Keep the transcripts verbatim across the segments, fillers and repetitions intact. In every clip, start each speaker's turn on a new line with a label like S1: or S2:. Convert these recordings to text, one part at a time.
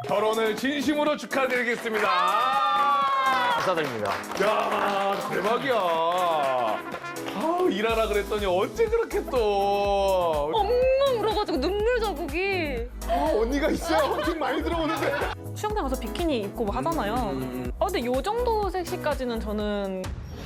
S1: 결혼을 진심으로 축하드리겠습니다.
S2: 감사드립니다.
S1: 야, 대박이야. 아, 일하라 그랬더니 언제 그렇게 또.
S3: 엉엉 울어가지고 눈물 자국이.
S1: 아, 언니가 있어야 헌팅 많이 들어오는데.
S4: 수영장 가서 비키니 입고 뭐 하잖아요. 아, 근데 요 정도 섹시까지는 저는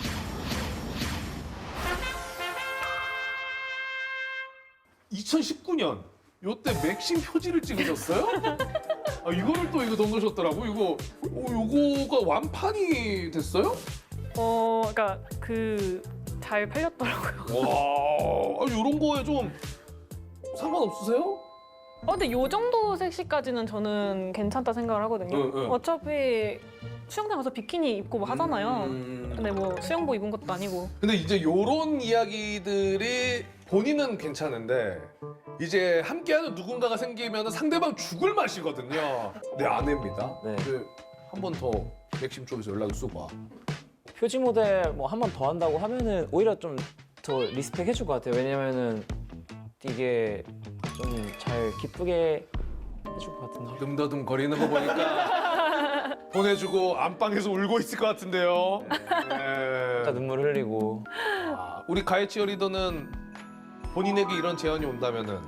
S1: 이천십구 년 요때 맥심 표지를 찍으셨어요? 아, 이거를 또 이거 넘으셨더라고. 이거 어, 요거가 완판이 됐어요?
S4: 어, 그러니까 그 잘 팔렸더라고요.
S1: 와, 아, 요런 거에 좀 상관없으세요?
S4: 아, 근데 요 정도 섹시까지는 저는 괜찮다 생각을 하거든요.
S1: 응, 응.
S4: 어차피 수영장 가서 비키니 입고 뭐 하잖아요.
S1: 음.
S4: 근데 뭐 수영복 입은 것도 아니고.
S1: 근데 이제 요런 이야기들이 본인은 괜찮은데 이제 함께하는 누군가가 생기면 상대방 죽을 맛이거든요. 내 아내입니다.
S2: 네.
S1: 한 번 더 맥심 쪽에서 연락을 쓰고 와.
S2: 표지 모델 뭐 한 번 더 한다고 하면은 오히려 좀 더 리스펙 해줄 것 같아요. 왜냐면은 이게 좀 잘 기쁘게 해줄 것 같은데.
S1: 늠더듬 거리는 거 보니까 보내주고 안방에서 울고 있을 것 같은데요. 네.
S2: 진짜 눈물 흘리고.
S1: 아, 우리 가해 치어리더는 본인에게 이런 제안이 온다면은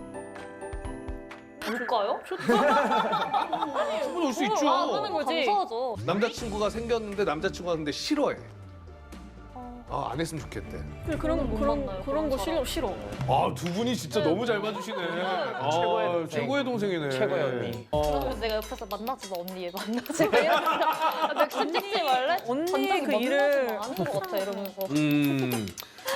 S3: 울까요?
S1: 충분히 올 수 있죠.
S3: 아, 하는 거지. 감사하죠.
S1: 남자친구가 생겼는데 남자친구가 근데 싫어해. 아, 안 했으면 좋겠대.
S4: 근데 그런
S3: 못
S4: 그런
S3: 만나요,
S4: 그런 거 싫어
S3: 그런
S4: 싫어.
S1: 아, 두 분이 진짜 너무 잘 맞으시네. 아,
S2: 최고의 동생.
S1: 최고의 동생이네.
S2: 최고의 언니.
S1: 어.
S3: 그래서 내가 옆에서 만나지 마 언니 얘 만나지 마 이러면서 맥심 찍지 말래?
S4: 언니
S3: 반장이
S4: 그
S3: 만나지
S4: 일을
S3: 마, 아는 것 같아 이러면서.
S1: 음.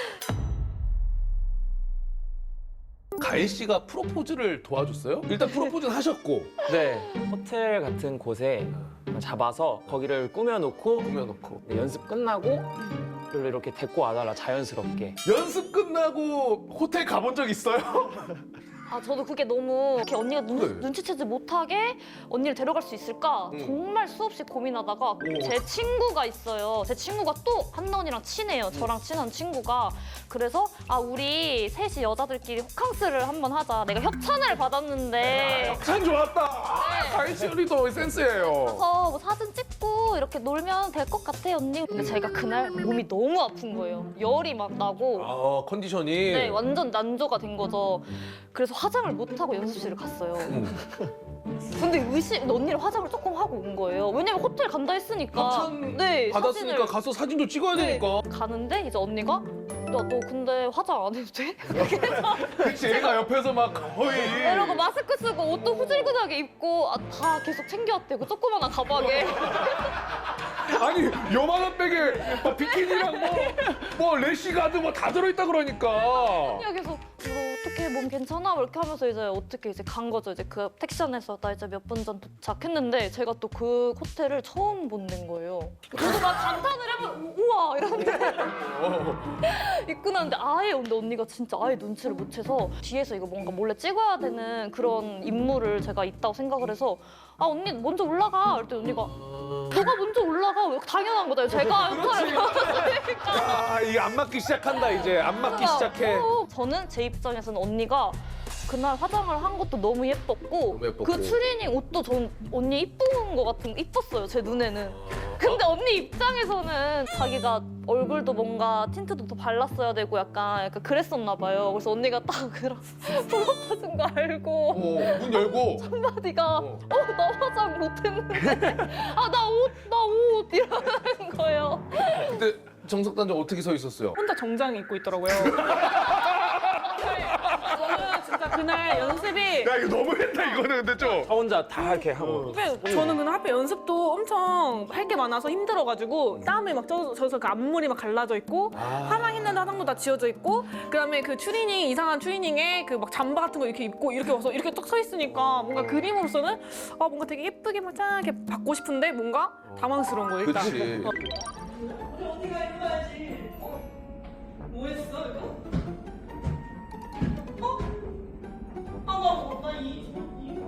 S1: 가희 씨가 프로포즈를 도와줬어요? 일단 프로포즈는 하셨고
S2: 네. 호텔 같은 곳에 잡아서 거기를 꾸며놓고
S1: 꾸며놓고
S2: 네, 연습 끝나고 별로 이렇게 데리고 와달라 자연스럽게.
S1: 연습 끝나고 호텔 가본 적 있어요?
S3: 아 저도 그게 너무 이렇게 언니가 눈,
S1: 네.
S3: 눈치채지 못하게 언니를 데려갈 수 있을까
S1: 음.
S3: 정말 수없이 고민하다가
S1: 오.
S3: 제 친구가 있어요. 제 친구가 또 한나 언니랑 친해요. 저랑 친한 친구가. 그래서 아 우리 셋이 여자들끼리 호캉스를 한번 하자. 내가 협찬을 받았는데
S1: 참 좋았다. 아, 가희 씨 언니도 센스예요.
S3: 그래서 뭐 사진 찍고 이렇게 놀면 될 것 같아 언니. 근데 제가 그날 몸이 너무 아픈 거예요. 열이 막 나고
S1: 아, 컨디션이.
S3: 네, 완전 난조가 된 거죠. 그래서 화장을 못 하고 연습실을 갔어요. 근데 의심 언니를 화장을 조금 하고 온 거예요. 왜냐면 호텔 간다 했으니까.
S1: 협찬
S3: 네,
S1: 받았으니까
S3: 사진을-
S1: 가서 사진도 찍어야
S3: 네,
S1: 되니까.
S3: 가는데 이제 언니가 야 너 근데 화장 안 해도 돼?
S1: 그치, 얘가 옆에서 막 거의.
S3: 이러고 마스크 쓰고 옷도 후질근하게 입고 아, 다 계속 챙겨왔대. 그 조그만한 가방에.
S1: 아니, 요만한 백에 막 비키니랑 뭐, 뭐 래시가드 뭐 다 들어있다 그러니까.
S3: 언니가 계속 이거 어떻게 몸 괜찮아? 뭐 이렇게 하면서 이제 어떻게 이제 간 거죠. 이제 그 택시 안에서 나 이제 몇 분 전 도착했는데 제가 또 그 호텔을 처음 본는 거예요. 저도 막 감탄을 해보 우와 이러는데 입고 나는데 아예 근데 언니가 진짜 아예 눈치를 못 채서 뒤에서 이거 뭔가 몰래 찍어야 되는 그런 임무를 제가 있다고 생각을 해서 아 언니 먼저 올라가 그랬더니 언니가 너가 먼저 올라가 당연한 거다 제가 역할을 받았으니까
S1: 아, 이게 안 맞기 시작한다, 이제. 안 맞기 시작해.
S3: 어, 저는 제 입장에서는 언니가 그날 화장을 한 것도 너무 예뻤고,
S1: 너무 예뻤고.
S3: 그 트레이닝 옷도 전 언니 이쁜 거 같은 이뻤어요 제 눈에는. 근데 언니 입장에서는 자기가 얼굴도 뭔가 틴트도 더 발랐어야 되고 약간, 약간 그랬었나 봐요. 그래서 언니가 딱 그런 프로포즈인 거 알고
S1: 어, 문 열고.
S3: 한마디가
S1: 어.
S3: 어 나 화장 못했는데 아 나 옷 나 옷 이러는 거예요.
S1: 그때 정석단장 어떻게 서 있었어요?
S4: 혼자 정장 입고 있더라고요. 저는 진짜 그날 연습이
S1: 야, 이거 너무했다, 이거는 근데 좀.
S2: 저 혼자 다 이렇게 하고.
S4: 하필 저는 그날 하필 연습도 엄청 할 게 많아서 힘들어가지고 땀에 막 젖- 젖어서 그 앞머리 막 갈라져 있고 화장 했는데 화장도 다 지워져 있고 그다음에 그 추리닝 이상한 추리닝에 그 막 잠바 같은 거 이렇게 입고 이렇게 와서 이렇게 딱 서 있으니까 뭔가 그림으로서는 아 뭔가 되게 예쁘게 막 짠하게 받고 싶은데 뭔가 당황스러운 거예요 일단.
S1: 그치.
S4: 어.
S5: 언니가 입어야지. 어? 뭐 했어, 이거? 어? 아, 나, 나 이, 이.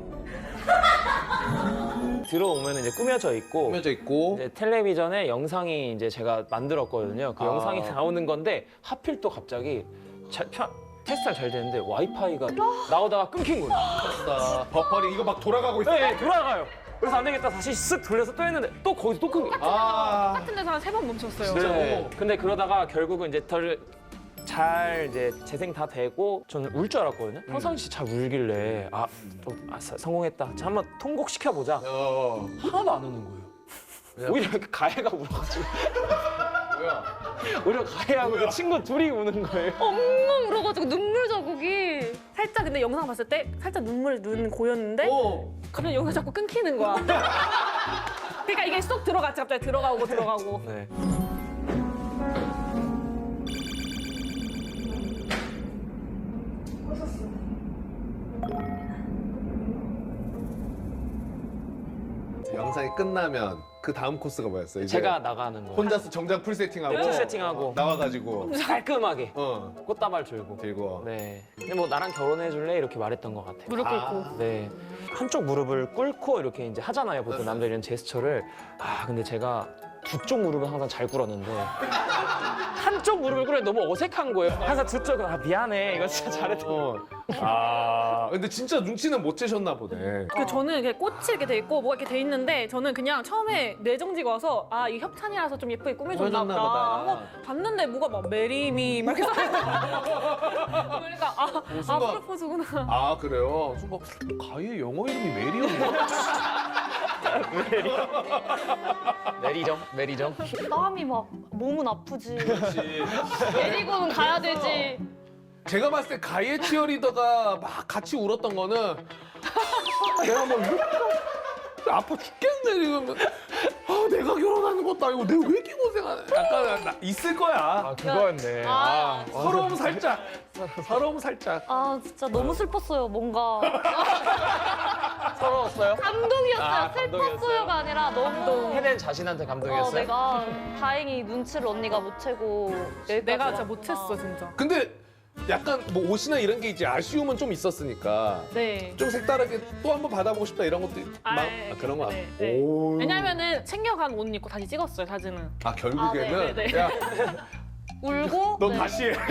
S2: 들어오면 이제 꾸며져 있고
S1: 꾸며져 있고.
S2: 이제 텔레비전에 영상이 이제 제가 만들었거든요. 그
S1: 아.
S2: 영상이 나오는 건데 하필 또 갑자기 자, 편, 테스트가 잘 되는데 와이파이가 나오다가 끊긴 거예요.
S1: 아, 버퍼링 이거 막 돌아가고 있어.
S2: 네, 돌아가요. 그래서 안 되겠다 다시 쓱 돌려서 또 했는데 또 거기서 또 큰 게.
S1: 아.
S4: 같은 데서 한 세 번 멈췄어요.
S2: 네. 근데 그러다가 결국은 이제 덜 잘 이제 재생 다 되고 저는 울 줄 알았거든요. 평상시 잘 울길래 아, 또 아, 사- 성공했다. 자, 한번 통곡시켜 보자.
S1: 어.
S2: 하나도 안 우는 거예요. 오히려 그 가해가 울어가지고
S1: 뭐야?
S2: 오히려 가해하고 그 친구 둘이 우는 거예요.
S3: 엉엉 울어가지고 눈물 자국이.
S4: 살짝 근데 영상 봤을 때 살짝 눈물 눈 고였는데
S1: 어.
S4: 갑자기 영상 자꾸 끊기는 거야. 그러니까 이게 쏙 들어갔지 갑자기 들어가고 들어가고.
S2: 네.
S1: 영상이 끝나면 그 다음 코스가 뭐였어요? 이제
S2: 제가 나가는 거.
S1: 혼자서 정장 풀 세팅하고
S2: 풀 세팅하고.
S1: 나와가지고
S2: 깔끔하게
S1: 어
S2: 꽃다발 들고.
S1: 들고
S2: 네. 근데 뭐 나랑 결혼해 줄래 이렇게 말했던 것 같아요.
S4: 무릎 꿇고.
S1: 아.
S2: 네. 한쪽 무릎을 꿇고 이렇게 이제 하잖아요. 보통 남들 이런 제스처를. 아, 근데 제가 두 쪽 무릎은 항상 잘 꿇었는데 한쪽 무릎을 꿇으니 너무 어색한 거예요. 항상 두 쪽은 아, 미안해. 이거 진짜 잘했다.
S1: 어. 아 근데 진짜 눈치는 못 채셨나 보네.
S4: 그 저는 이렇게 꽃이 이렇게 돼 있고 뭐가 이렇게 돼 있는데 저는 그냥 처음에 뇌정지가 와서 아 이 협찬이라서 좀 예쁘게 꾸며줬나
S1: 꾸며줬나
S4: 보다
S1: 보다.
S4: 하고 봤는데 뭐가 막 메리미 막 이렇게 써있는 거예요. 그러니까 아, 아
S1: 순간-
S4: 프로포즈구나.
S1: 아 그래요? 순간 가희의 영어 이름이 메리였나?
S2: 메리정, 메리정.
S3: 땀이 막 몸은 아프지.
S1: 그렇지.
S3: 데리고는 가야 되지.
S1: 제가 봤을 때 가희의 치어리더가 막 같이 울었던 거는 내가 뭐 이렇게 아파 죽겠네 지금. 아 내가 결혼하는 것도 아니고 내가 왜 이렇게 고생하네. 약간 나- 있을 거야.
S2: 아, 그거였네.
S3: 아,
S1: 서러움 살짝. 서러움 살짝.
S3: 아 진짜 너무 슬펐어요. 뭔가
S2: 서러웠어요?
S3: 감동이었어요.
S2: 아, 감동이었어요?
S3: 슬펐어요가 아니라 너무.
S2: 해낸 자신한테
S3: 어,
S2: 감동이었어요?
S3: 내가 다행히 눈치를 언니가 못 채고 여기까지
S4: 내가 진짜
S3: 왔구나.
S4: 못했어 진짜.
S1: 근데 약간 뭐 옷이나 이런 게 이제 아쉬움은 좀 있었으니까
S4: 네.
S1: 좀 색다르게 또 한번 받아보고 싶다 이런 것도
S4: 아,
S1: 막
S4: 네,
S1: 아, 그런 거.
S4: 네,
S1: 아-
S4: 네.
S1: 오.
S4: 왜냐면은 챙겨간 옷 입고 다시 찍었어요 사진은.
S1: 아 결국에는
S4: 아, 네, 네, 네.
S1: 야,
S3: 울고.
S1: 너
S3: 네.
S1: 다시 해.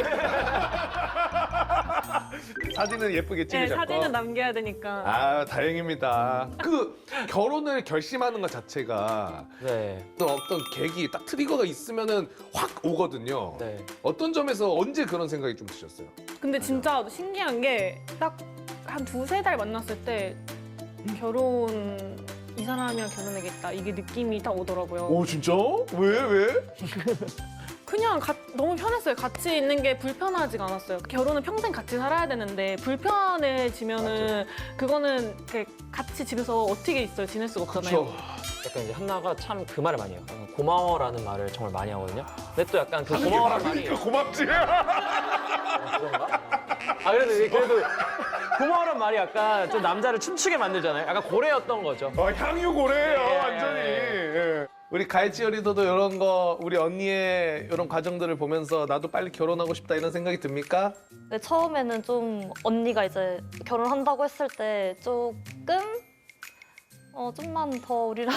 S1: 사진은 예쁘게
S4: 네
S1: 찍으셨고.
S4: 사진은 남겨야 되니까.
S1: 아 다행입니다. 그 결혼을 결심하는 것 자체가
S2: 네.
S1: 어떤 어떤 계기, 딱 트리거가 있으면은 확 오거든요.
S2: 네.
S1: 어떤 점에서 언제 그런 생각이 좀 드셨어요?
S4: 근데 진짜 신기한 게 딱 한 두세 달 만났을 때 결혼 이 사람이랑 결혼하겠다 이게 느낌이 딱 오더라고요.
S1: 오 진짜? 왜 왜?
S4: 그냥 가- 너무 편했어요. 같이 있는 게 불편하지가 않았어요. 결혼은 평생 같이 살아야 되는데 불편해지면은 그거는 이렇게 같이 집에서 어떻게 있어요? 지낼 수가 없잖아요.
S1: 그렇죠.
S2: 약간 이제 한나가 참 그 말을 많이 해요. 약간 고마워라는 말을 정말 많이 하거든요. 근데 또 약간 그 고마워라는 말이
S1: 고맙지.
S2: 그런가? 아 그래도 이게 그래도 고마워란 말이 약간 좀 남자를 춤추게 만들잖아요. 약간 고래였던 거죠.
S1: 어, 향유 고래예요
S2: 예.
S1: 완전히. 예. 우리 가이치어리더도 이런 거 우리 언니의 이런 과정들을 보면서 나도 빨리 결혼하고 싶다 이런 생각이 듭니까?
S3: 근데 처음에는 좀 언니가 이제 결혼한다고 했을 때 조금 어 좀만 더 우리랑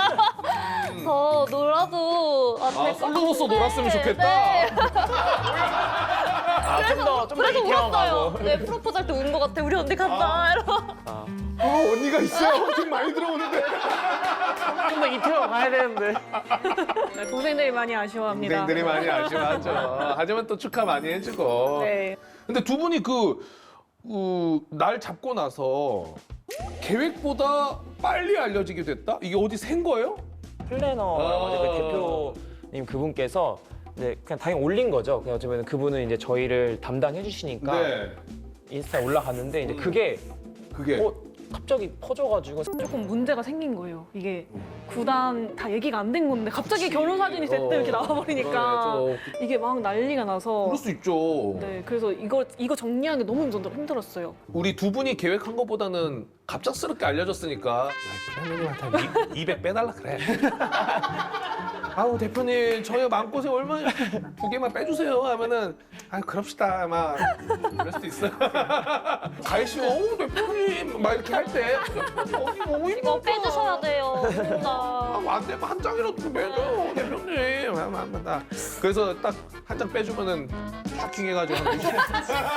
S3: 더 놀아도 아,
S1: 아,
S3: 될것
S1: 솔로로서
S3: 같은데.
S1: 놀았으면 좋겠다.
S3: 네.
S2: 아, 좀 더, 좀 더
S3: 그래서
S2: 이태원
S3: 울었어요.
S2: 가고.
S3: 네 프로포즈 할 때 운 것 같아. 우리 언니 간다. 이러고.
S2: 아,
S1: 어, 언니가 있어요. 좀 많이 들어오는데.
S2: 좀 더 이태원 가야 되는데.
S4: 네, 동생들이 많이 아쉬워합니다.
S1: 동생들이 많이 아쉬워하죠. 하지만 또 축하 많이 해주고.
S4: 네.
S1: 근데 두 분이 그, 그, 날 잡고 나서 계획보다 빨리 알려지게 됐다? 이게 어디 센 거예요?
S2: 플래너라고
S1: 아.
S2: 하죠. 그 대표님 그분께서 이제 그냥 당연히 올린 거죠. 그냥 어쩌면 그분은 이제 저희를 담당해 주시니까
S1: 네.
S2: 인스타에 올라갔는데 이제 그게
S1: 그게.
S2: 어, 갑자기 퍼져가지고
S4: 조금 문제가 생긴 거예요. 이게 구단 다 얘기가 안 된 건데 갑자기 결혼 사진이 대뜸 이렇게 나와버리니까
S1: 그러네, 저-
S4: 이게 막 난리가 나서
S1: 그럴 수 있죠.
S4: 네 그래서 이거 이거 정리하는 게 너무 힘들- 힘들었어요.
S1: 우리 두 분이 계획한 것보다는 갑작스럽게 알려졌으니까 야, 대표님한테 이백 빼달라 그래. 아우 대표님 저희 마음고생 얼마나 두 개만 빼주세요 하면은 아 그럽시다 아마 그럴 수도 있어요. 가희 씨가 어우 대표님 막 이렇게 할 때 어디 너무
S3: 이거
S1: 힘들다.
S3: 빼주셔야 돼요. 진짜.
S1: 아, 안 되면 한 장이라도 좀 빼줘 대표님. 아, 아, 아, 아. 그래서 딱 한 장 빼주면은 슈킹 해가지고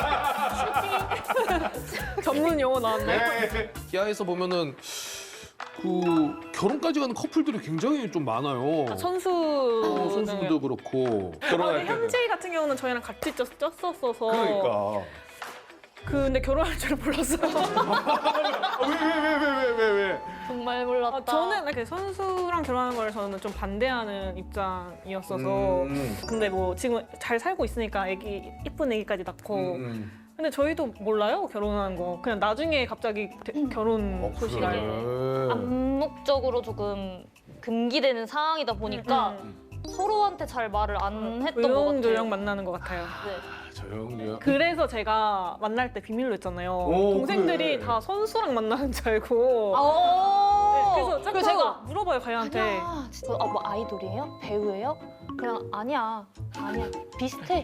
S4: 전문 용어 나왔네.
S1: 기아에서 보면은 그 결혼까지 가는 커플들이 굉장히 좀 많아요.
S4: 선수
S1: 어, 선수들도 그렇고
S4: 아,
S1: 결혼할
S4: 근데
S1: 때는.
S4: 현지 같은 경우는 저희랑 같이 쪘, 쪘었어서
S1: 그러니까.
S4: 근데 결혼할 줄은 몰랐어요.
S1: 왜 왜 왜 왜 왜 왜?
S3: 정말 몰랐다.
S4: 아, 저는 이렇게 선수랑 결혼하는 걸 저는 좀 반대하는 입장이었어서
S1: 음.
S4: 근데 뭐 지금 잘 살고 있으니까 애기 이쁜 애기까지 낳고
S1: 음.
S4: 근데 저희도 몰라요 결혼하는 거 그냥 나중에 갑자기 대- 결혼
S1: 어,
S4: 소식이
S1: 그래.
S3: 암묵적으로 조금 금기되는 상황이다 보니까
S4: 음.
S3: 서로한테 잘 말을 안 했던 것
S4: 조용조용
S3: 같아요.
S4: 만나는 것 같아요.
S3: 네.
S1: 조용히요.
S4: 그래서 제가 만날 때 비밀로 했잖아요.
S1: 오,
S4: 동생들이
S1: 그래.
S4: 다 선수랑 만나는 줄 알고.
S3: 아,
S4: 네, 그래서 자꾸
S3: 그래서 제가
S4: 물어봐요 가희한테.
S3: 아니야, 진짜 아, 뭐 아이돌이에요? 배우예요? 그냥 아니야, 아니야, 비슷해.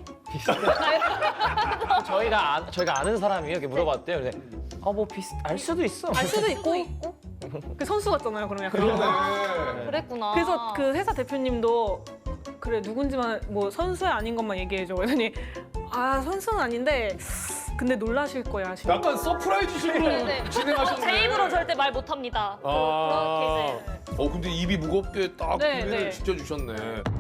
S2: 저희가 아, 저희가 아는 사람이 이렇게 물어봤대요. 근데 아뭐 비슷 알 수도 있어.
S4: 알 수도 있고. 그 선수 같잖아요 그러면 약간.
S1: 그러네.
S3: 그랬구나.
S4: 그래서 그 회사 대표님도 그래 누군지만 뭐 선수 아닌 것만 얘기해줘. 그러더니 아 선수는 아닌데 근데 놀라실 거야. 하시는
S1: 약간 서프라이즈식으로
S3: 네, 네.
S1: 진행하셨네.
S3: 제 입으로 절대 말 못합니다. 그-
S1: 아.
S3: 그렇게 이제
S1: 어 근데 입이 무겁게 딱
S4: 네,
S1: 비밀을
S4: 네.
S1: 지켜주셨네.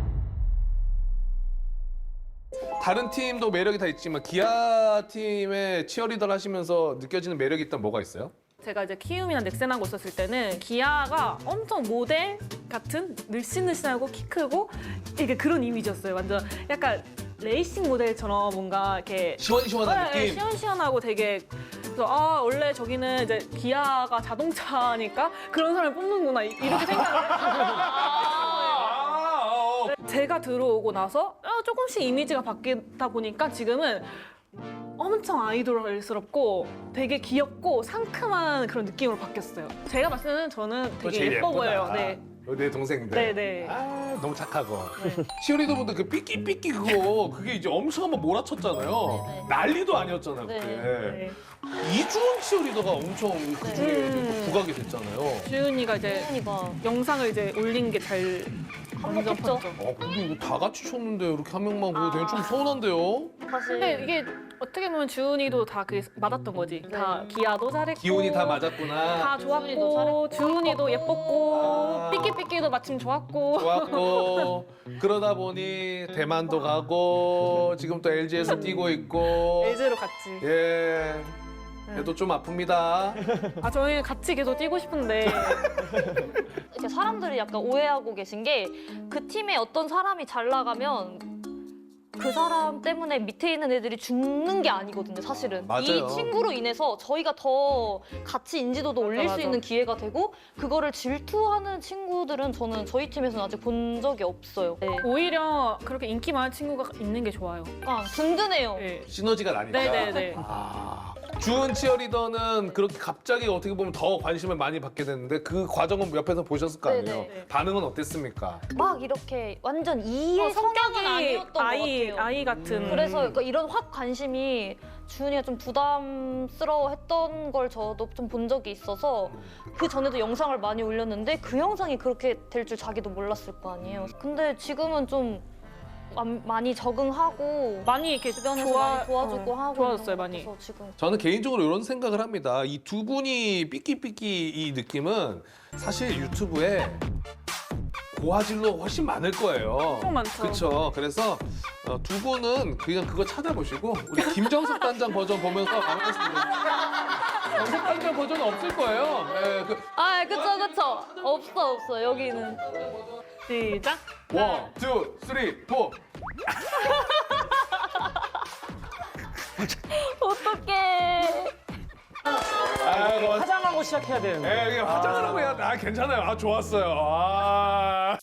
S1: 다른 팀도 매력이 다 있지만 기아 팀의 치어리더를 하시면서 느껴지는 매력이 있다면 뭐가 있어요?
S4: 제가 이제 키움이나 넥센하고 있었을 때는 기아가 엄청 모델 같은 늘씬늘씬하고 키 크고 이게 그런 이미지였어요. 완전 약간 레이싱 모델처럼 뭔가 이렇게
S1: 시원시원한
S4: 네,
S1: 느낌.
S4: 시원시원하고 되게 그래서 아 원래 저기는 이제 기아가 자동차니까 그런 사람을 뽑는구나 이- 이렇게 생각을
S1: 아, 어.
S4: 제가 들어오고 나서 어, 조금씩 이미지가 바뀌다 보니까 지금은 엄청 아이돌스럽고 되게 귀엽고 상큼한 그런 느낌으로 바뀌었어요. 제가 봤을 때는 저는
S1: 또
S4: 되게
S1: 제일
S4: 예뻐
S1: 예쁘다.
S4: 보여요. 네.
S1: 어, 내 동생들.
S4: 네네.
S1: 아 너무 착하고. 치어리더분들 그 삐끼삐끼 그거 그게 이제 엄청 한번 몰아쳤잖아요.
S3: 네, 네.
S1: 난리도 아니었잖아요
S3: 네.
S1: 그때.
S4: 네.
S1: 이주원 치어리더가 엄청 그 중에
S4: 음.
S1: 부각이 됐잖아요.
S4: 주윤이가 이제
S3: 혜연이가
S4: 영상을 이제 올린 게 잘
S3: 한몫했죠.
S1: 어 근데 이거 다 같이 쳤는데 이렇게 한 명만 보고
S4: 아.
S1: 되게 좀 서운한데요.
S3: 사실
S4: 근데 이게 어떻게 보면 주은이도 다 그게 맞았던 거지. 다 기아도 잘했고
S1: 기운이 다 맞았구나.
S4: 다
S3: 주은이도
S4: 좋았고
S3: 잘했고,
S4: 주은이도 예뻤고
S1: 아.
S4: 삐끼삐끼도 마침 좋았고
S1: 좋았고 그러다 보니 대만도 가고 지금 또 엘지에서 뛰고 있고
S4: 엘지로 갔지.
S1: 예 그래도 좀 아픕니다.
S4: 아 저희는 같이 계속 뛰고 싶은데
S3: 이제 사람들이 약간 오해하고 계신 게 그 팀에 어떤 사람이 잘 나가면 그 사람 때문에 밑에 있는 애들이 죽는 게 아니거든요, 사실은.
S1: 맞아요.
S3: 이 친구로 인해서 저희가 더 같이 인지도도 올릴
S4: 맞아,
S3: 수
S4: 맞아.
S3: 있는 기회가 되고 그거를 질투하는 친구들은 저는 저희 팀에서는 아직 본 적이 없어요. 네.
S4: 오히려 그렇게 인기 많은 친구가 있는 게 좋아요.
S3: 약간 든든해요.
S4: 네.
S1: 시너지가 나니까.
S4: 네네네.
S1: 아, 주은 치어리더는 그렇게 갑자기 어떻게 보면 더 관심을 많이 받게 됐는데 그 과정은 옆에서 보셨을 거 아니에요.
S3: 네네.
S1: 반응은 어땠습니까?
S3: 막 이렇게 완전 이의 성격은 아니었던
S4: 아이
S3: 것 같아요.
S4: 아이 같은.
S1: 음.
S3: 그래서 그러니까 이런 확 관심이 주은이가 좀 부담스러워했던 걸 저도 좀 본 적이 있어서 그 전에도 영상을 많이 올렸는데 그 영상이 그렇게 될 줄 자기도 몰랐을 거 아니에요. 근데 지금은 좀 마- 많이 적응하고
S4: 많이 이렇게
S3: 주변에서
S4: 좋아-
S3: 많이 도와주고
S4: 어,
S3: 하고
S4: 좋아졌어요,
S3: 있는 것
S4: 많이.
S3: 같아서 지금
S1: 저는 개인적으로 이런 생각을 합니다. 이 두 분이 삐끼삐끼 이 느낌은 사실 유튜브에 고화질로 훨씬 많을 거예요.
S4: 엄청 많죠.
S1: 그렇죠. 그래서 어, 두 분은 그냥 그거 찾아보시고 우리 김정석 단장 버전 보면서 반갑습니다. 정석 단장 버전은 없을 거예요. 네, 그
S3: 아 그쵸 그쵸 없어 없어 여기는
S4: 시작.
S1: 원, 투, 쓰리, 포.
S3: 어떡해
S1: 아, 뭐,
S2: 화장하고 시작해야 되는데.
S1: 예, 이게 화장을 하고 해야 돼. 아, 괜찮아요. 아, 좋았어요. 아.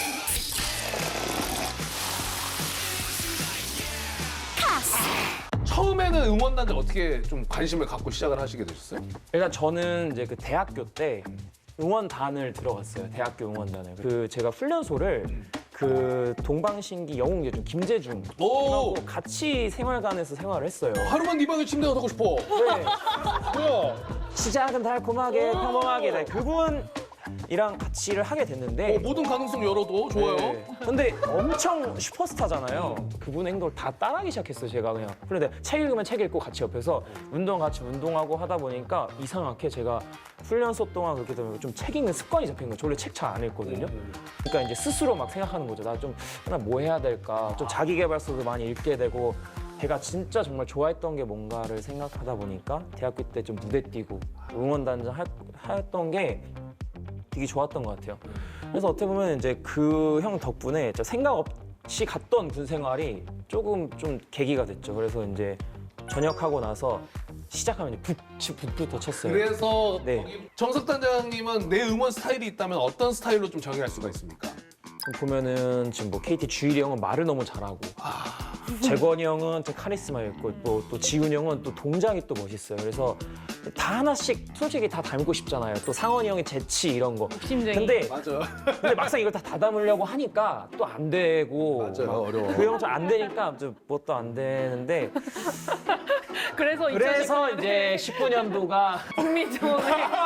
S1: 처음에는 응원단들 어떻게 좀 관심을 갖고 시작을 하시게 되셨어요?
S2: 일단 저는 이제 그 대학교 때 응원단을 들어갔어요. 대학교 응원단을. 그 제가 훈련소를 그 동방신기 영웅제중 김재중
S1: 오!
S2: 하고 같이 생활관에서 생활을 했어요.
S1: 하루만 네 방에 침대가 타고 싶어.
S2: 네.
S1: 뭐야?
S2: 시작은 달콤하게 평범하게 네, 그분 이랑 같이 일을 하게 됐는데
S1: 어, 모든 가능성 열어도 좋아요.
S2: 네. 근데 엄청 슈퍼스타잖아요. 그분의 행동을 다 따라하기 시작했어요, 제가 그냥. 그런데 책 읽으면 책 읽고 같이 옆에서 운동 같이 운동하고 하다 보니까 이상하게 제가 훈련소 동안 그렇게 되면 좀 책 읽는 습관이 잡힌 거예요. 저 원래 책 잘 안 읽거든요. 그러니까 이제 스스로 막 생각하는 거죠. 나 좀 나 뭐 해야 될까? 좀 자기 개발서도 많이 읽게 되고 제가 진짜 정말 좋아했던 게 뭔가를 생각하다 보니까 대학교 때 좀 무대 뛰고 응원단장 할- 했던 게 되게 좋았던 것 같아요. 그래서 어떻게 보면 이제 그 형 덕분에 저 생각 없이 갔던 군 생활이 조금 좀 계기가 됐죠. 그래서 이제 전역하고 나서 시작하면 이제 북, 북부터 쳤어요.
S1: 그래서
S2: 네.
S1: 거기 정석 단장님은 내 응원 스타일이 있다면 어떤 스타일로 좀 정의할 수가 있습니까?
S2: 보면은 지금 뭐 케이티 주일이 형은 말을 너무 잘하고 재권이 형은 좀 카리스마 있고 또, 또 지훈이 형은 또 동작이 또 멋있어요. 그래서 다 하나씩 솔직히 다 닮고 싶잖아요. 또 상원이 형의 재치 이런 거.
S4: 심쟁이.
S2: 근데
S1: 맞아.
S2: 근데 막상 이걸 다 다담으려고 하니까 또 안 되고
S1: 맞아요.
S2: 막
S1: 어려워.
S2: 그 형 좀 안 되니까 좀 뭣도 안 되는데
S4: 그래서
S2: 그래서 이제 십구 년도가
S4: 국민정원에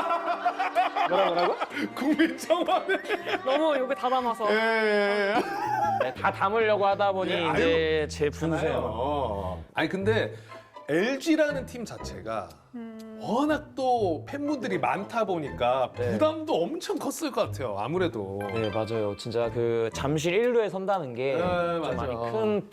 S2: 뭐라 뭐라고?
S1: 국민청원에.
S4: 너무 여기 다 담아서
S1: 예.
S2: 네, 다 담으려고 하다 보니
S1: 네,
S2: 이제 제 분수에
S1: 어. 아니 근데 엘지라는 팀 자체가 워낙 또 팬분들이 많다 보니까
S2: 네.
S1: 부담도 엄청 컸을 것 같아요. 아무래도.
S2: 네 맞아요. 진짜 그 잠실 일 루에 선다는 게
S1: 네,
S2: 좀
S1: 맞아요.
S2: 많이 큰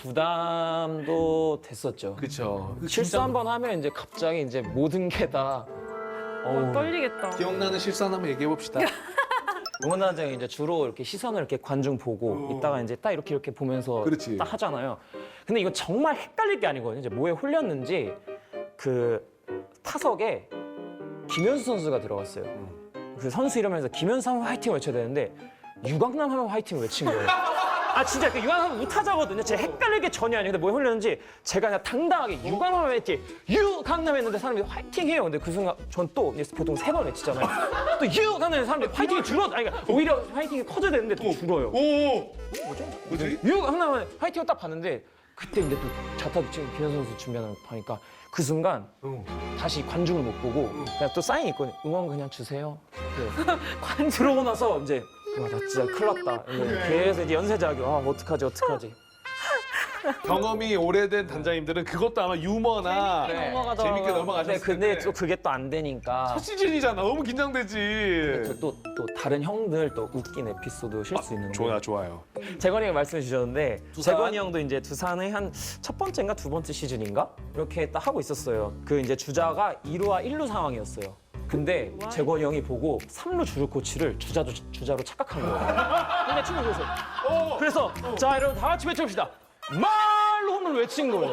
S2: 부담도 됐었죠.
S1: 그렇죠.
S2: 실수 한 번 하면 이제 갑자기 이제 모든 게 다
S4: 어, 떨리겠다.
S1: 기억나는 실수 하나만 얘기해 봅시다.
S2: 응원단장이 이제 주로 이렇게 시선을 이렇게 관중 보고 있다가 이제 딱 이렇게 이렇게 보면서
S1: 그렇지.
S2: 딱 하잖아요. 근데 이거 정말 헷갈릴 게 아니거든요. 이제 뭐에 홀렸는지 그 타석에 김현수 선수가 들어갔어요. 그 선수 이러면서 김현수 하면 화이팅 외쳐야 되는데 유강남 하면 화이팅을 외친 거예요. 아 진짜 그 유강남 못하자거든요. 제가 헷갈릴 게 전혀 아니에요. 근데 뭐에 홀렸는지 제가 그냥 당당하게 유강남 하면 화이팅, 유강남 했는데 사람들이 화이팅해요. 근데 그 순간 전 또 보통 세 번 외치잖아요. 또 유강남 했는데 사람들이 화이팅이 줄어. 아니 그러니까 오히려 화이팅이 커져야 되는데 또 줄어요.
S1: 오. 뭐지?
S2: 유강남은 화이팅을 딱 봤는데 그때 근데 또 자타 지금 김현수 선수 준비하는 거 보니까 그 순간
S1: 어.
S2: 다시 관중을 못 보고 그냥 또 사인 있거든요. 응원 그냥 주세요. 관중 들어오고 나서 이제 와 나 진짜 큰일 났다. 이제 계속 이제 연쇄작용. 아 어떡하지 어떡하지.
S1: 경험이 오래된 단장님들은 그것도 아마 유머나
S4: 재밌게 넘어가더라고요.
S1: 재밌게 넘어가셨을
S2: 근데, 근데
S1: 텐데
S2: 또 그게 또 안 되니까
S1: 첫 시즌이잖아. 너무 긴장되지.
S2: 또, 또 다른 형들 또 웃긴 에피소드 실 수 있는데
S1: 좋아 좋아요.
S2: 재건이가 말씀해 주셨는데
S1: 두산?
S2: 재건이 형도 이제 두산의 한 첫 번째인가 두 번째 시즌인가 이렇게 딱 하고 있었어요. 그 이제 주자가 이 루와 일 루 상황이었어요. 근데 재건이 형이 보고 삼 루 주루 코치를 주자로 주자로 착각한 거예요. 근데 충분히 그래서 그래서 자 여러분 다 같이 외쳐봅시다. 말로 홈런 외친 거예요.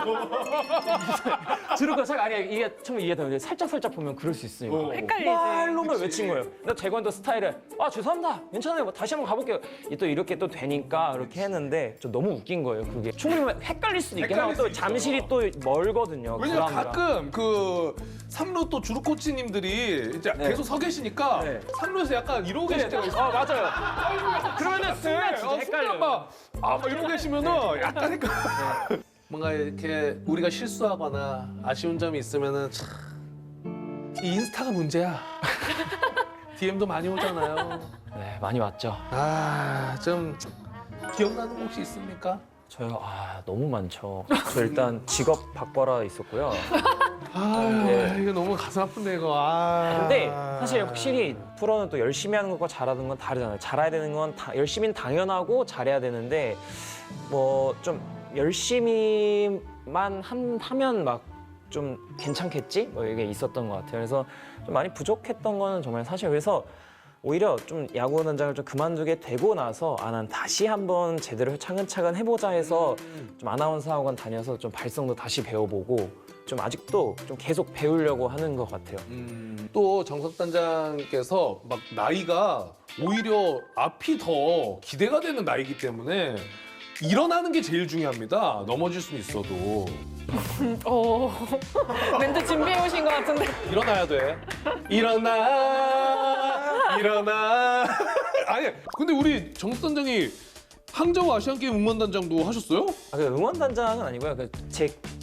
S2: 들을까 잘 아니야 이게 처음에 이해되는데 살짝 살짝 보면 그럴 수 있으니까.
S4: 헷갈리지.
S2: 말로만 외친 거예요. 근데 재건도 스타일을 아 죄송합니다. 괜찮아요. 뭐 다시 한번 가볼게요. 이또 이렇게 또 되니까 이렇게 했는데 좀 너무 웃긴 거예요. 그게 충분히 헷갈릴 수도 있긴 하고
S1: 헷갈릴
S2: 또
S1: 수 있죠.
S2: 잠실이 또 멀거든요.
S1: 왜냐면
S2: 구랑이랑.
S1: 가끔 그 삼루 또 주루 코치님들이 이제
S2: 네.
S1: 계속 서 계시니까
S2: 네.
S1: 삼루에서 약간 이러고 계실 때가 있어요.
S2: 아 맞아요. 그러면 순간 진짜
S1: 어,
S2: 헷갈려요.
S1: 순간 막, 아, 막 이러고 계시면은 약간 헷갈려. 뭔가 이렇게 우리가 실수하거나 아쉬운 점이 있으면은 참, 이 인스타가 문제야. 디엠도 많이 오잖아요.
S2: 네 많이 왔죠.
S1: 아, 좀 기억나는 거 혹시 있습니까?
S2: 저요 아 너무 많죠. 저 일단 직업 바꿔라 있었고요.
S1: 아,
S2: 네.
S1: 이거 너무 가슴 아픈데 이거. 아.
S2: 근데 사실 확실히 프로는 또 열심히 하는 것과 잘하는 건 다르잖아요. 잘해야 되는 건 다, 열심히는 당연하고 잘해야 되는데 뭐 좀 열심히만 함- 하면 막 좀 괜찮겠지? 뭐 이게 있었던 것 같아요. 그래서 좀 많이 부족했던 거는 정말 사실 그래서 오히려 좀 야구 단장을 좀 그만두게 되고 나서 아 난 다시 한번 제대로 차근차근 해보자 해서 좀 아나운서 학원 다녀서 좀 발성도 다시 배워보고 좀 아직도 좀 계속 배우려고 하는 것 같아요.
S1: 음, 또 정석 단장께서 막 나이가 오히려 앞이 더 기대가 되는 나이기 때문에 일어나는 게 제일 중요합니다. 넘어질 수는 있어도
S4: 어 멘트 준비해 오신 것 같은데.
S1: 일어나야 돼. 일어나, 일어나. 아니, 근데 우리 정석 단장이 항저우 아시안 게임 응원 단장도 하셨어요?
S2: 아, 그 응원 단장은 아니고요. 그 제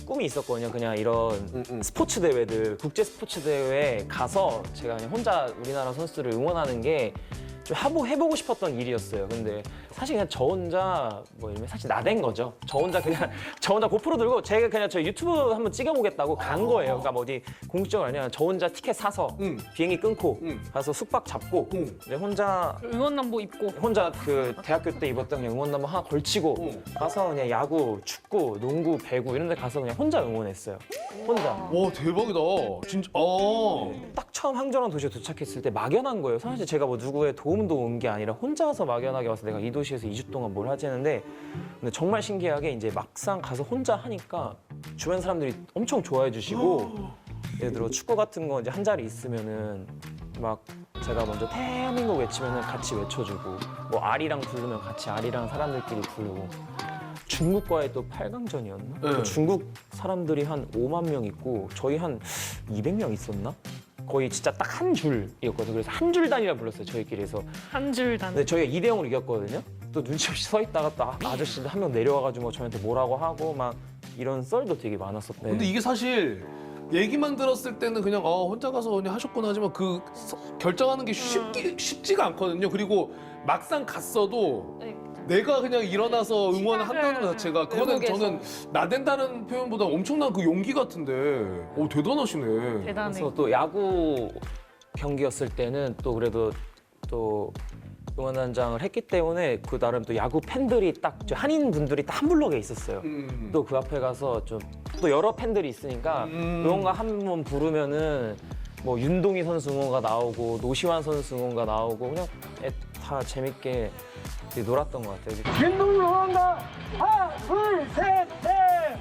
S2: 꿈이 있었거든요. 그냥 이런
S1: 음, 음.
S2: 스포츠 대회들, 국제 스포츠 대회에 가서 제가 그냥 혼자 우리나라 선수들을 응원하는 게 좀 해보, 해보고 싶었던 일이었어요. 근데 사실 그냥 저 혼자 뭐 이러면 사실 나댄 거죠. 저 혼자 그냥 저 혼자 고프로 들고 제가 그냥 저 유튜브 한번 찍어보겠다고 간 거예요. 그러니까 뭐 어디 공식적으로 아니라 저 혼자 티켓 사서
S1: 음.
S2: 비행기 끊고
S1: 음.
S2: 가서 숙박 잡고
S1: 음.
S2: 네, 혼자
S4: 응원남보 입고
S2: 혼자 그 대학교 때 입었던 그냥 응원남보 하나 걸치고
S1: 음.
S2: 가서 그냥 야구, 축구, 농구, 배구 이런 데 가서 그냥 혼자 응원했어요. 혼자.
S1: 와 대박이다. 진짜. 어.
S2: 딱 처음 항저랑 도시에 도착했을 때 막연한 거예요. 사실 제가 뭐 누구의 도움도 온 게 아니라 혼자서 막연하게 와서 내가 이 도시에서 이 주 동안 뭘 하지 했는데 근데 정말 신기하게 이제 막상 가서 혼자 하니까 주변 사람들이 엄청 좋아해 주시고 예를 들어 축구 같은 거 이제 한 자리 있으면은 막 제가 먼저 대한민국 외치면은 같이 외쳐주고 뭐 아리랑 부르면 같이 아리랑 사람들끼리 부르고 중국과의 또 팔 강전이었나?
S1: 네.
S2: 중국 사람들이 한 오만 명 있고 저희 한 이백 명 있었나? 거의 진짜 딱 한 줄이었거든요. 그래서 한 줄 단위라 불렀어요, 저희끼리. 그래서
S4: 한 줄 단.
S2: 근데 저희가 이 대 영으로 이겼거든요. 또 눈치 없이 서 있다가 또 아- 아저씨들 한 명 내려와가지고 뭐 저한테 뭐라고 하고 막 이런 썰도 되게 많았었고.
S1: 근데 이게 사실 얘기만 들었을 때는 그냥 어, 혼자 가서 그냥 하셨구나 하지만 그 서- 결정하는 게 쉽기, 쉽지가 않거든요. 그리고 막상 갔어도
S3: 네.
S1: 내가 그냥 일어나서 응원을
S4: 시작을
S1: 한다는 것 자체가 그거는
S4: 외국에서.
S1: 저는 나댄다는 표현보다 엄청난 그 용기 같은데 오 대단하시네.
S4: 대단해.
S2: 그래서 또 야구 경기였을 때는 또 그래도 또 응원단장을 했기 때문에 그 나름 또 야구 팬들이 딱저 한인 분들이 딱 한 블럭에 있었어요.
S1: 음.
S2: 또 그 앞에 가서 좀 또 여러 팬들이 있으니까
S1: 음.
S2: 응원가 한 번 부르면은 뭐 윤동희 선수 응원가 나오고 노시환 선수 응원가 나오고 그냥 애- 다 재밌게 되게 놀았던 것 같아요.
S6: 윤동희 응원가 하나 둘셋넷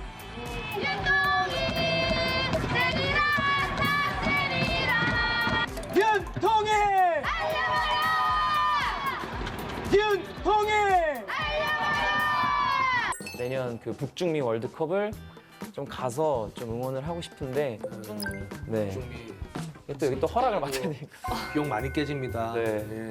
S6: 윤동희 윤동희
S2: 내년 그 북중미 월드컵을 좀 가서 좀 응원을 하고 싶은데 네.
S1: 준비.
S2: 또 여기 또 허락을 받아야 되니까.
S1: 비용 많이 깨집니다.
S2: 네.
S1: 예.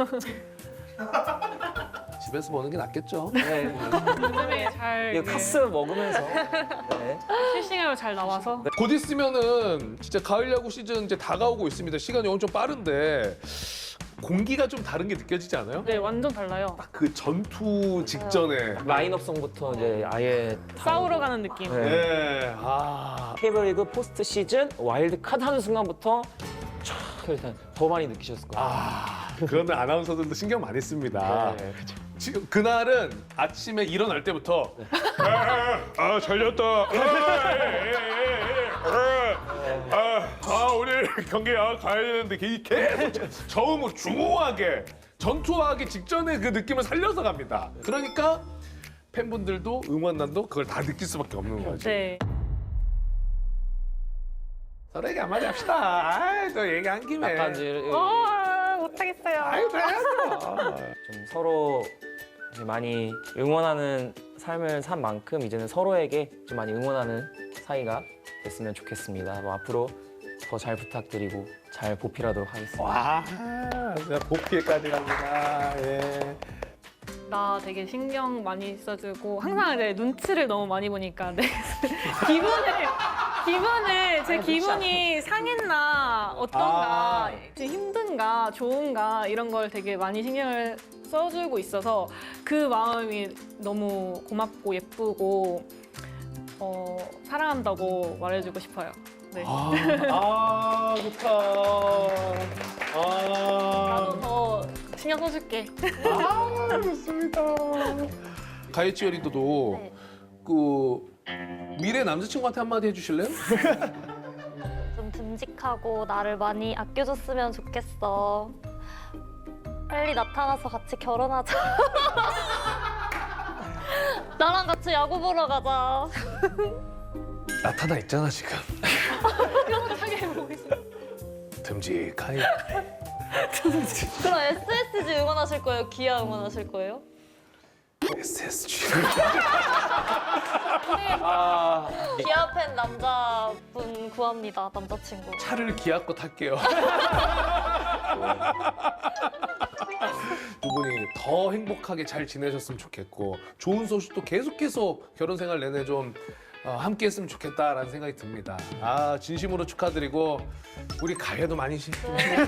S1: 집에서 보는 게 낫겠죠.
S2: 네.
S4: 요즘에 잘
S2: 이거
S4: 이게
S2: 카스 먹으면서 네.
S4: 실시간으로 잘 나와서
S1: 곧 있으면은 진짜 가을 야구 시즌 이제 다가오고 있습니다. 시간이 엄청 빠른데 공기가 좀 다른 게 느껴지지 않아요?
S4: 네 완전 달라요.
S1: 그 전투 직전에
S2: 라인업성부터 이제 아예 다
S4: 싸우러 가는 느낌.
S2: 네.
S1: 네. 아.
S2: 케이블리그 포스트 시즌 와일드 카드 하는 순간부터 촥 일단 더 많이 느끼셨을 거예요.
S1: 아, 그거는 아나운서들도 신경 많이 씁니다.
S2: 네.
S1: 지금 그날은 아침에 일어날 때부터 아, 아 잘렸다. 아, 예, 예, 예, 예. 아, 아 오늘 경기 아, 가야 되는데 이 계속 저음으로 중후하게 전투하기 직전에 그 느낌을 살려서 갑니다. 그러니까 팬분들도 응원단도 그걸 다 느낄 수밖에 없는 거지.
S4: 네.
S1: 서로 얘기 한마디 합시다. 아이, 또 얘기한 김에.
S2: 약간 이제
S4: 어 못하겠어요.
S1: 아이, 그래야죠.
S2: 좀 서로 이제 많이 응원하는 삶을 산 만큼 이제는 서로에게 좀 많이 응원하는 사이가 됐으면 좋겠습니다. 뭐 앞으로 더 잘 부탁드리고 잘 보필하도록 하겠습니다.
S1: 와, 진짜 복귀까지 갑니다. 예.
S4: 나 되게 신경 많이 써주고 항상 이제 눈치를 너무 많이 보니까 내 기분을 기분을 제 기분이 상했나 어떤가
S1: 아.
S4: 지금 힘든가 좋은가 이런 걸 되게 많이 신경을 써주고 있어서 그 마음이 너무 고맙고 예쁘고 어, 사랑한다고 말해주고 싶어요. 네.
S1: 아, 아 좋다. 아,
S4: 나도 더 신경 써줄게.
S1: 아 좋습니다. 가이치어리도도
S3: 네.
S1: 그 미래 남자친구한테 한마디 해주실래요?
S3: 좀 듬직하고 나를 많이 아껴줬으면 좋겠어. 빨리 나타나서 같이 결혼하자. 나랑 같이 야구 보러 가자.
S1: 나타나 있잖아 지금. 듬직하게.
S3: 그럼 에스에스지 응원하실 거예요? 기아 응원하실 거예요?
S1: 에스에스지.
S2: 아,
S3: 기아 팬 남자분 구합니다. 남자친구.
S1: 차를 기아 거 탈게요. 두 분이 더 행복하게 잘 지내셨으면 좋겠고 좋은 소식도 계속해서 결혼 생활 내내 좀 어, 함께 했으면 좋겠다라는 생각이 듭니다. 아 진심으로 축하드리고 우리 가야도 많이 시. 네.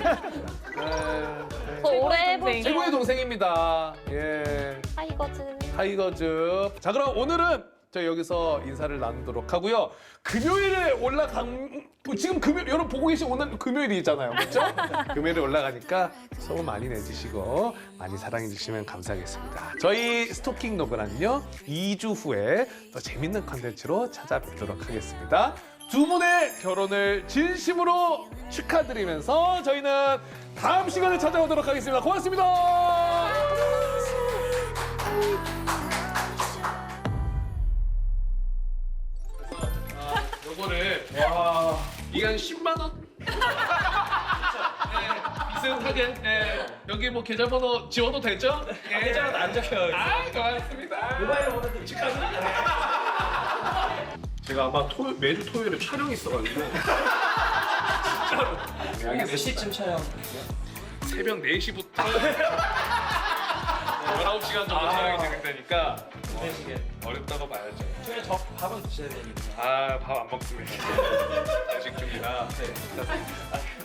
S3: 더 오래 해볼
S4: 동생.
S3: 줄
S1: 최고의 동생입니다. 예.
S3: 타이거즈.
S1: 타이거즈. 자 그럼 오늘은 저희 여기서 인사를 나누도록 하고요. 금요일에 올라간 지금 금요 여러분 보고 계신 오늘 금요일이잖아요, 그렇죠? 금요일에 올라가니까 소문 많이 내주시고 많이 사랑해 주시면 감사하겠습니다. 저희 스토킹 노브란요 이 주 후에 더 재밌는 컨텐츠로 찾아뵙도록 하겠습니다. 두 분의 결혼을 진심으로 축하드리면서 저희는 다음 시간에 찾아오도록 하겠습니다. 고맙습니다. 요거를 와 이게 한 십만 원? 네, 비슷하게 네, 여기 뭐 계좌번호 지워도 되죠? 네.
S2: 계좌는 안 적혀요.
S1: 아 고맙습니다. 모바일로 보내드릴게요. 제가 아마 토, 매주 토요일에 촬영이 있어가지고 진짜로
S2: 몇 시쯤 촬영?
S1: 새벽 네 시부터 열아홉 시간 정도 촬영이 진행되니까 어렵다고 봐야죠.
S2: 중에 저 밥은 드셔야 되니까.
S1: 아 밥 안 먹습니다. 야식 중이라.